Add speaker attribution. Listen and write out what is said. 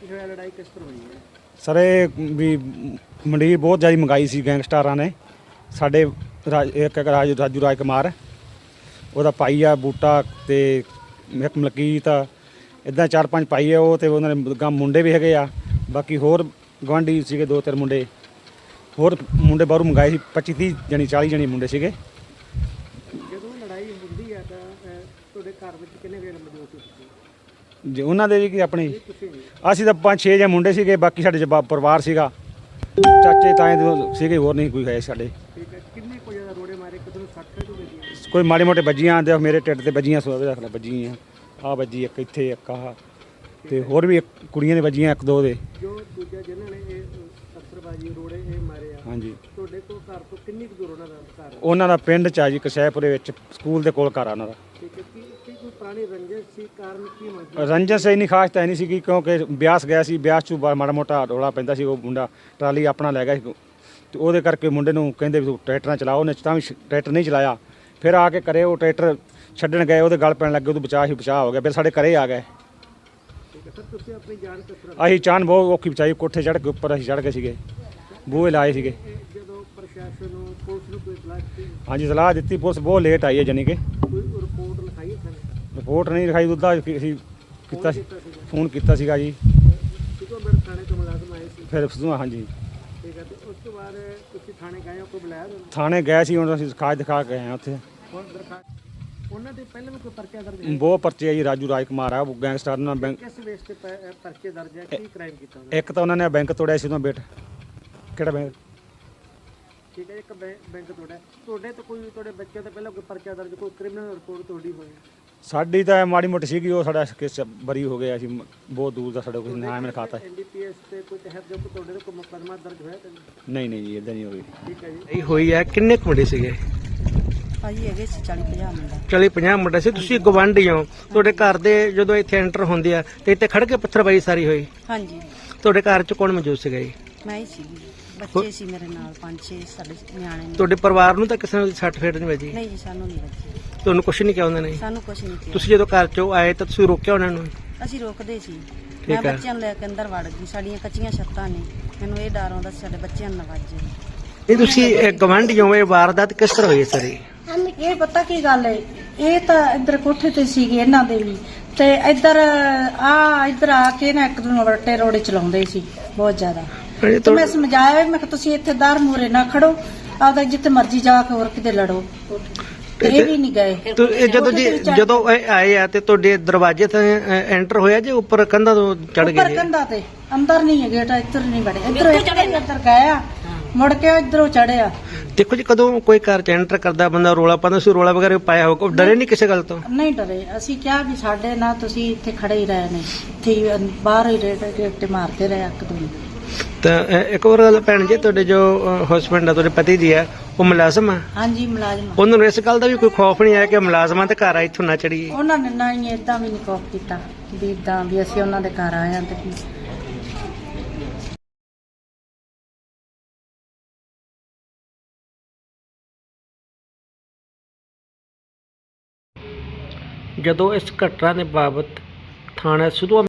Speaker 1: ਕੀ ਹੋਇਆ, ਲੜਾਈ ਕਿਸ ਤਰ੍ਹਾਂ ਹੋਈ ਹੈ?
Speaker 2: ਸਰ ਇਹ ਵੀ ਮੰਡੀਰ ਬਹੁਤ ਜ਼ਿਆਦਾ ਮੰਗਾਈ ਸੀ ਗੈਂਗਸਟਰਾਂ ਨੇ ਸਾਡੇ ਇੱਕ ਰਾਜੂ ਰਾਜ ਕੁਮਾਰ, ਉਹਦਾ ਭਾਈ ਆ ਬੂਟਾ ਤੇ ਇੱਕ ਮਲਕੀਤ, ਇੱਦਾਂ 4-5 ਭਾਈ ਆ ਉਹ, ਤੇ ਉਹਨਾਂ ਦੇ ਗਾਂ ਮੁੰਡੇ ਵੀ ਹੈਗੇ ਆ, ਬਾਕੀ ਹੋਰ ਗੁਆਂਢੀ ਸੀਗੇ 2-3 ਮੁੰਡੇ ਹੋਰ ਮੁੰਡੇ ਬਾਹਰੋਂ ਮੰਗਾਏ ਸੀ, 25-30 ਜਣੀ 40 ਜਣੇ ਮੁੰਡੇ ਸੀਗੇ।
Speaker 1: ਜਦੋਂ ਲੜਾਈ ਹੁੰਦੀ ਹੈ ਤਾਂ ਤੁਹਾਡੇ ਘਰ ਵਿੱਚ ਕਿੰਨੇ ਵੇਲੇ ਮੌਜੂਦ ਸੀ ਤੁਸੀਂ?
Speaker 2: ਜੇ ਉਹਨਾਂ ਦੇ ਵੀ ਕਿ ਆਪਣੀ
Speaker 1: ਤੁਸੀਂ ਨਹੀਂ?
Speaker 2: ਅਸੀਂ ਤਾਂ 5-6 ਜੇ ਮੁੰਡੇ ਸੀਗੇ, ਬਾਕੀ ਸਾਡੇ ਪਰਿਵਾਰ ਸੀਗਾ, ਚਾਚੇ ਤਾਏ ਦੇ ਸੀਗੇ, ਹੋਰ ਨਹੀਂ ਕੋਈ ਹੈ ਸਾਡੇ।
Speaker 1: ਠੀਕ ਹੈ, ਕਿੰਨੇ ਕੋਈ ਜ਼ਿਆਦਾ ਰੋੜੇ ਮਾਰੇ, ਕਿਤੇ ਨੂੰ 60 ਤੋਂ ਵੱਜੀ?
Speaker 2: ਕੋਈ ਮਾੜੇ ਮੋਟੇ ਵੱਜੀਆਂ ਤੇ ਮੇਰੇ ਢਿੱਡ ਤੇ ਵੱਜੀਆਂ, ਸੋਵੇ ਰੱਖ ਲੈ ਵੱਜੀਆਂ, ਆਹ ਵੱਜੀ ਇੱਕ ਇੱਥੇ, ਇੱਕ ਆਹ, ਤੇ ਹੋਰ ਵੀ ਕੁੜੀਆਂ ਦੇ ਵੱਜੀਆਂ 1-2 ਦੇ।
Speaker 1: ਜੋ ਦੂਜਾ ਜਿਨ੍ਹਾਂ ਨੇ ਇਹ ਅਸਰਬਾਜੀ ਰੋੜੇ ਇਹ ਮਾਰੇ ਆ,
Speaker 2: ਹਾਂਜੀ,
Speaker 1: ਤੁਹਾਡੇ ਕੋਲ ਘਰ ਤੋਂ ਕਿੰਨੀ ਕੁ ਦੂਰ ਉਹਨਾਂ ਦਾ ਘਰ?
Speaker 2: ਉਹਨਾਂ ਦਾ ਪਿੰਡ ਚ ਆ ਜੀ ਕਸ਼ੈਪੁਰੇ ਵਿੱਚ, ਸਕੂਲ ਦੇ ਕੋਲ ਘਰ ਆ ਉਹਨਾਂ ਦਾ।
Speaker 1: ਠੀਕ ਹੈ, ਕੀ ਕੋਈ ਪੁਰਾਣੀ ਰੰਜਿਸ਼ ਸੀ, ਕਾਰਨ ਕੀ ਮਸਲਾ?
Speaker 2: ਰੰਜਨ ਇੰਨੀ ਖਾਸ ਤਾਂ ਨਹੀਂ ਸੀਗੀ, ਕਿਉਂਕਿ ਬਿਆਸ ਗਿਆ ਸੀ, ਬਿਆਸ 'ਚ ਮਾੜਾ ਮੋਟਾ ਰੌਲਾ ਪੈਂਦਾ ਸੀ, ਉਹ ਮੁੰਡਾ ਟਰਾਲੀ ਆਪਣਾ ਲੈ ਗਿਆ ਸੀ, ਤੇ ਉਹਦੇ ਕਰਕੇ ਮੁੰਡੇ ਨੂੰ ਕਹਿੰਦੇ ਵੀ ਤੂੰ ਟਰੈਕਟਰ ਨਾ ਚਲਾ, ਉਹਨੇ ਤਾਂ ਵੀ ਟਰੈਕਟਰ ਨਹੀਂ ਚਲਾਇਆ। ਫਿਰ ਆ ਕੇ ਘਰੇ ਉਹ ਟਰੈਕਟਰ ਛੱਡਣ ਗਏ, ਉਹਦੇ ਗਲ ਪੈਣ ਲੱਗੇ, ਉਹਦਾ ਬਚਾਅ ਹੋ ਗਿਆ, ਫਿਰ ਸਾਡੇ ਘਰੇ ਆ ਗਏ।
Speaker 1: ਠੀਕ ਹੈ ਸਰ, ਤੁਸੀਂ ਆਪਣੀ ਜਾਨ ਕਿਸ ਤਰ੍ਹਾਂ?
Speaker 2: ਅਸੀਂ ਚਾਨ ਬਹੁਤ ਔਖੀ ਬਚਾਈ, ਕੋਠੇ ਚੜ੍ਹ ਕੇ ਉੱਪਰ ਅਸੀਂ ਚੜ੍ਹ ਗਏ ਸੀਗੇ, ਬੂਹੇ ਲਾਏ ਸੀਗੇ।
Speaker 1: ਜਦੋਂ ਪ੍ਰਸ਼ਾਸਨ ਨੂੰ, ਪੁਲਿਸ ਨੂੰ ਕੋਈ ਇਤਲਾਹ ਦਿੱਤੀ?
Speaker 2: ਹਾਂਜੀ ਸਲਾਹ ਦਿੱਤੀ, ਪੁਲਿਸ ਬਹੁਤ ਲੇਟ ਆਈ ਹੈ, ਜਾਣੀ ਕਿ
Speaker 1: ਕੋਈ ਰਿਪੋਰਟ ਲਿਖਾਈ ਹੈ ਸਰ?
Speaker 2: ਰਿਪੋਰਟ ਨਹੀਂ ਲਿਖਾਈ, ਉਹਦਾ ਅਸੀਂ ਕੀਤਾ ਸੀ, ਫੋਨ ਕੀਤਾ ਸੀਗਾ ਜੀ,
Speaker 1: ਕਿਦੋਂ ਮੇਰੇ ਥਾਣੇ ਤੋਂ ਮੁਲਾਜ਼ਮ ਆਏ ਸੀ?
Speaker 2: ਫਿਰ ਹਾਂਜੀ
Speaker 1: ਠੀਕ ਹੈ, ਤੇ ਉਸ ਤੋਂ ਬਾਅਦ ਤੁਸੀਂ ਥਾਣੇ ਗਏ ਹੋ, ਕੋਈ ਬੁਲਾਇਆ ਤੁਹਾਨੂੰ?
Speaker 2: ਥਾਣੇ ਗਏ ਸੀ, ਹੁਣ ਅਸੀਂ ਖਾਜ ਦਿਖਾ ਕੇ ਆਏ ਹਾਂ ਉੱਥੇ।
Speaker 1: ਹੁਣ ਦਰਖਾਸਤ ਉਹਨਾਂ ਦੇ ਪਹਿਲਾਂ ਵੀ ਕੋਈ ਪਰਚਾ ਦਰਜ ਹੈ?
Speaker 2: ਬਹੁਤ ਪਰਚੇ ਆ ਜੀ, ਰਾਜੂ ਰਾਜ ਕੁਮਾਰ ਆ, ਉਹ ਗੈਂਗਸਟਰ ਨਾਲ ਬੈਂਕ,
Speaker 1: ਕਿਸ ਵੇਸ ਤੇ ਪਰਚੇ ਦਰਜ ਹੈ, ਕੀ ਕ੍ਰਾਈਮ ਕੀਤਾ ਉਹਨਾਂ ਨੇ?
Speaker 2: ਇੱਕ ਤਾਂ ਉਹਨਾਂ ਨੇ ਬੈਂਕ ਤੋੜਿਆ ਸੀ, ਉਹਦਾ ਕਿਹੜਾ ਬੈਂਕ?
Speaker 1: ਠੀਕ ਹੈ, ਇੱਕ ਬੈਂਕ ਤੁਹਾਡੇ ਤੋਂ ਕੋਈ, ਤੁਹਾਡੇ ਬੱਚਿਆਂ ਤੇ ਪਹਿਲਾਂ ਕੋਈ ਪਰਚਾ ਦਰਜ, ਕੋਈ ਕ੍ਰਿਮੀਨਲ ਰਿਪੋਰਟ ਤੁਹਾਡੀ ਹੋਈ?
Speaker 2: ਸਾਡੀ ਤਾਂ ਮਾੜੀ ਮੋਟੀ ਸੀਗੀ, ਉਹ ਸਾਡਾ ਕੇਸ ਬਰੀ ਹੋ ਗਿਆ ਸੀ, ਬਹੁਤ ਦੂਰ ਦਾ ਸਾਡਾ ਕੋਈ ਨਾਮ ਨਹੀਂ ਖਾਤਾ।
Speaker 1: ਐਨਡੀਪੀਐਸ ਤੇ ਕੋਈ ਤਹਿਤ ਜੋ ਤੁਹਾਡੇ ਤੇ ਕੋਈ ਮੁਕੱਦਮਾ ਦਰਜ ਹੋਇਆ ਤਾਂ ਨਹੀਂ?
Speaker 2: ਨਹੀਂ ਜੀ, ਇਦਾਂ ਨਹੀਂ ਹੋਈ।
Speaker 1: ਠੀਕ ਹੈ ਜੀ।
Speaker 3: ਇਹ ਹੋਈ ਹੈ, ਕਿੰਨੇ ਕੁ ਮੁੰਡੇ ਸੀਗੇ?
Speaker 4: ਭਾਜੀ ਹੈਗੇ ਸੀ 40-50 ਮੁੰਡਾ।
Speaker 3: 40-50 ਮੁੰਡੇ ਸੀ। ਤੁਸੀਂ ਗਵਾਂਢੀ ਹੋ, ਤੁਹਾਡੇ ਘਰ ਦੇ ਜਦੋਂ ਇੱਥੇ ਐਂਟਰ ਹੁੰਦੇ ਆ ਤੇ ਇੱਥੇ ਖੜ ਕੇ ਪੱਥਰਬਾਜ਼ੀ ਸਾਰੀ ਹੋਈ?
Speaker 4: ਹਾਂਜੀ,
Speaker 3: ਤੁਹਾਡੇ ਘਰ 'ਚ ਕੌਣ ਮੌਜੂਦ ਸੀਗਾ ਜੀ?
Speaker 4: ਮੈਂ ਹੀ ਸੀ, ਬੱਚੇ ਸੀ ਮੇਰੇ ਨਾਲ 5-6 ਸਾਡੇ ਨਿਆਣੇ ਨੇ।
Speaker 3: ਤੁਹਾਡੇ ਪਰਿਵਾਰ ਨੂੰ ਤਾਂ ਕਿਸੇ ਨੂੰ ਸੱਟ ਫੇਟ ਨਹੀਂ ਵੱਜੀ?
Speaker 4: ਨਹੀਂ ਜੀ, ਸਾਨੂੰ ਨਹੀਂ ਬੱਚੇ,
Speaker 3: ਤੁਹਾਨੂੰ ਕੁਝ ਨਹੀਂ ਕਿਹਾ ਉਹਨਾਂ ਨੇ?
Speaker 4: ਸਾਨੂੰ ਕੁਝ ਨਹੀਂ ਕਿਹਾ।
Speaker 3: ਤੁਸੀਂ ਜਦੋਂ ਘਰ 'ਚੋਂ ਆਏ ਤਾਂ ਤੁਸੀਂ ਰੋਕਿਆ ਉਹਨਾਂ ਨੂੰ?
Speaker 4: ਅਸੀਂ ਰੋਕਦੇ ਸੀ,
Speaker 3: ਠੀਕ
Speaker 4: ਮੈਂ
Speaker 3: ਹੈ।
Speaker 4: ਬੱਚਿਆਂ ਨੂੰ ਲੈ ਕੇ ਅੰਦਰ ਵੜ ਗਈ, ਸਾਡੀਆਂ ਕੱਚੀਆਂ ਛੱਤਾਂ ਨੇ, ਮੈਨੂੰ ਇਹ ਡਰ ਆਉਂਦਾ ਸੀ ਸਾਡੇ ਬੱਚਿਆਂ ਨੂੰ ਨਾ ਵੱਜੇ।
Speaker 3: ਇਹ ਤੁਸੀਂ ਗਵਾਂਢੀ ਹੋ, ਇਹ ਵਾਰਦਾਤ ਕਿਸ ਤਰ੍ਹਾਂ ਹੋਈ ਸਾਰੀ?
Speaker 5: ਇਹ ਪਤਾ ਕੀ ਗੱਲ ਹੈ, ਇਹ ਤਾਂ ਇੱਧਰ ਕੋਠੇ ਤੇ ਸੀਗੇ ਇਹਨਾਂ ਦੇ ਵੀ, ਤੇ ਇੱਧਰ ਆ ਕੇ ਨਾ ਇੱਕ ਦੂਜੇ ਨੂੰ ਵੱਟੇ ਰੋੜੇ ਚਲਾਉਂਦੇ ਸੀ ਬਹੁਤ ਜ਼ਿਆਦਾ। ਤੇ ਮੈਂ ਸਮਝਾਇਆ, ਮੈਂ ਕਿਹਾ ਤੁਸੀਂ ਇੱਥੇ ਦਰ ਮੂਹਰੇ ਨਾ ਖੜੋ, ਆਪਦਾ ਜਿੱਥੇ ਮਰਜ਼ੀ ਜਾ ਕੇ ਹੋਰ ਕਿਤੇ ਲੜੋ, ਤੇ ਇਹ ਵੀ ਨਹੀਂ ਗਏ।
Speaker 3: ਇਹ ਜਦੋਂ ਇਹ ਆਏ ਆ ਤੇ ਤੁਹਾਡੇ ਦਰਵਾਜ਼ੇ ਤੇ ਐਂਟਰ ਹੋਇਆ ਜੇ ਉੱਪਰ ਕੰਧਾਂ ਤੋਂ ਚੜ ਗਏ?
Speaker 5: ਉੱਪਰ ਕੰਧਾਂ ਤੇ, ਅੰਦਰ ਨਹੀਂ ਹੈ ਗੇਟ, ਇੱਧਰ ਨਹੀਂ ਵੜੇ, ਇੱਧਰ ਗਏ ਆ, ਮੁੜ ਕੇ ਇੱਧਰੋਂ ਚੜਿਆ।
Speaker 3: ਦੇਖੋ ਜੀ, ਕਦੋਂ ਕੋਈ ਘਰ 'ਚ ਐਂਟਰ ਕਰਦਾ ਬੰਦਾ ਰੋਲਾ ਪਾਉਂਦਾ ਸੀ, ਰੋਲਾ ਵਗੈਰਾ ਪਾਇਆ ਹੋ, ਕੋਈ ਡਰੇ ਨਹੀਂ ਕਿਸੇ ਗੱਲ ਤੋਂ?
Speaker 5: ਨਹੀਂ ਡਰੇ, ਅਸੀਂ ਕਿਹਾ ਵੀ ਸਾਡੇ ਨਾਲ ਤੁਸੀਂ ਇੱਥੇ ਖੜੇ ਹੀ ਰਹੇ ਨੇ, ਇੱਥੇ ਬਾਹਰ ਹੀ ਗੇਟ ਤੇ ਮਾਰਦੇ ਰਹੇ ਇੱਕ ਦੂਜੇ।
Speaker 3: ਤਾਂ ਇੱਕ ਹੋਰ ਗੱਲ ਭੈਣ ਜੀ, ਤੁਹਾਡੇ ਜੋ ਹਸਬੈਂਡ ਆ, ਤੁਹਾਡੇ ਪਤੀ ਜੀ ਆ, ਉਹ ਮੁਲਾਜ਼ਮ ਆ?
Speaker 5: ਹਾਂਜੀ ਮੁਲਾਜ਼ਮ।
Speaker 3: ਉਹਨਾਂ ਨੂੰ ਇਸ ਗੱਲ ਦਾ ਵੀ ਕੋਈ ਖੌਫ ਨਹੀਂ ਆਇਆ ਕਿ ਮੁਲਾਜ਼ਮਾਂ ਤੇ ਘਰ ਆ ਇੱਥੋਂ ਨਾ ਚੜੀਏ?
Speaker 5: ਉਹਨਾਂ ਨੇ ਨਾ ਹੀ ਏਦਾਂ ਵੀ ਨਹੀਂ ਕੋਪ ਕੀਤਾ ਵੀ ਏਦਾਂ ਵੀ ਅਸੀਂ ਉਹਨਾਂ ਦੇ ਘਰ ਆਏ ਹਾਂ ਤੇ
Speaker 3: ਜਦੋਂ ਇਸ ਘਟਨਾ ਦੇ ਬਾਬਤ ਥਾਣਾ ਸਿੱਧੂਆਂ